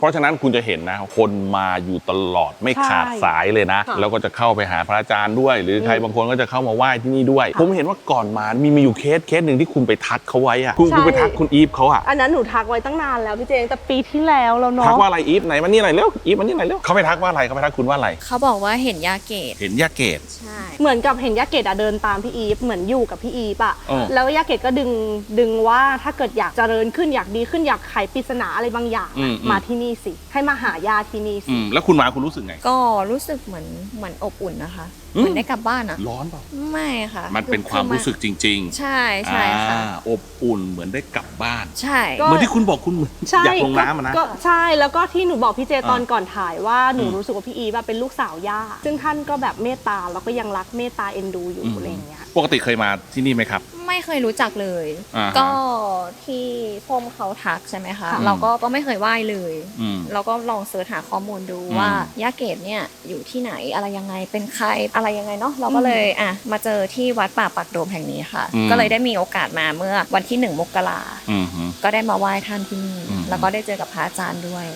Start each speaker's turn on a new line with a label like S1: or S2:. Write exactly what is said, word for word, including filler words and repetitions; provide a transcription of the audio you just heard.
S1: เพราะฉะนั้นคุณจะเห็นนะคนมาอยู่ตลอดไม่ขาดสายเลยนะแล้วก็จะเข้าไปหาพระอาจารย์ด้วยหรือใครบางคนก็จะเข้ามาไหว้ที่นี่ด้วยผมเห็นว่าก่อนมามีมีอยู่เคสเคสหนึ่งที่คุณไปทักเขาไว้อะคุณคุณไปทักคุณอีฟเขาอะ
S2: อันนั้นหนูทักไว้ตั้งนานแล้วพี่เจงแต่ปีที่แล้วแล้วเนาะ
S1: ทักว่าอะไรอีฟไหนมานี่หน่อยเร็วอีฟมานี่หน่อยเร็วเขาไปทักว่าอะไรเขาไปทักคุณว่าอะไร
S3: เขาบอกว่าเห็นยาเกต
S1: เห็นยาเกต
S3: ใช่
S2: เหมือนกับเห็นยาเกตอะเดินตามพี่อีฟเหมือนอยู่กับพี่อีฟอะ
S1: อ๋อ
S2: แล้วยาเกตก็ดึงดึงว่าถ้าเกิดอยากเจริญขึ้นอยากดีขึ้นอยากไขปริศนาอะไรบางอย่างมาที่นี่สิให้มาหายาที่นี่สิ
S1: แล้วคุณมาคุณรู้สึกไง
S3: ก็รู้สึกเหมือนเหมือนอบอุ่นนะคะเหมือนได้กลับบ้านอะ
S1: ร้อนเปล่า
S3: ไม่ค่ะ
S1: มันเป็นความรู้สึกจริงๆ
S3: ใช่ใช่ค่ะ
S1: อบอุ่นเหมือนได้กลับบ้าน
S3: ใช่
S1: เหมือนที่คุณบอกคุณเหมือนอยากลงน้ำนะ
S2: ก็ใช่แล้วก็ที่หนูบอกพี่เจตอนก่อนถ่ายว่าหนูรู้สึกว่าพี่อีฟเป็นลูกสาวย่าซึ่งท่านก็แบบเมตตาแล้วก็ยังรักเมตตาเอ็นดูอยู่อะไรอย่างเงี้ย
S1: ปกติเคยมาที่นี่ไหมครับ
S3: ไม่เคยรู้จักเลยก็ที่พ่อมเขาทักใช่ไหมคะเราก็ก็ไม่เคยไหว้เลยเราก็ลองเสิร์ชหาข้อมูลดูว่ายาเกตเนี่ยอยู่ที่ไหนอะไรยังไงเป็นใครอะไรยังไงเนาะเราก็เลยอ่ะมาเจอที่วัดป่าปักโดมแห่งนี้ค่ะก็เลยได้มีโอกาสมาเมื่อวันที่หนึ่งมกราก็ได้มาไหว้ท่านที่นี่แล้วก็ได้เจอกับพระอาจารย์ด้วย